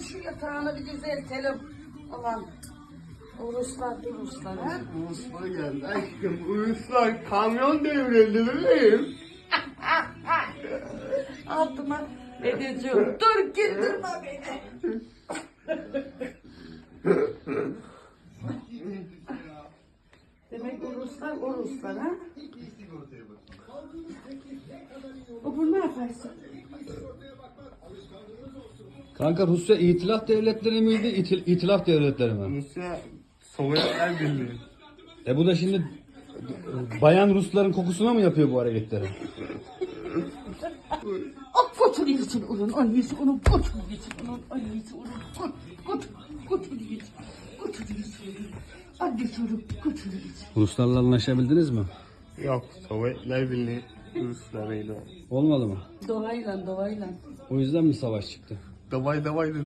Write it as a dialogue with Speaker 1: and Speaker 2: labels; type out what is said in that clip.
Speaker 1: şu yatağını bir düzeltelim. Ulan. Uruslar ha?
Speaker 2: Ruslar geldi aşkım. Ruslar kamyon devrildi bebeğim.
Speaker 1: Altıma edeceğim. Dur güldürme beni. Demek Uruslar ha? Bu ne yaparsın?
Speaker 3: Kanka Rusya İtilaf Devletleri miydi? İtilaf Devletleri mi?
Speaker 2: Rusya Sovyetler Birliği.
Speaker 3: Bu da şimdi bayan Rusların kokusuna mı yapıyor bu hareketleri?
Speaker 1: Götür gitsin onun annesi, onun götür gitsin onun annesi, onun götür gitsin. Götür gitsin. Annesi onu götür gitsin.
Speaker 3: Ruslarla anlaşabildiniz mi?
Speaker 2: Yok, Sovyetler Birliği Ruslarıyla.
Speaker 3: Olmadı mı?
Speaker 1: Doğayla.
Speaker 3: O yüzden mi savaş çıktı?
Speaker 2: Davay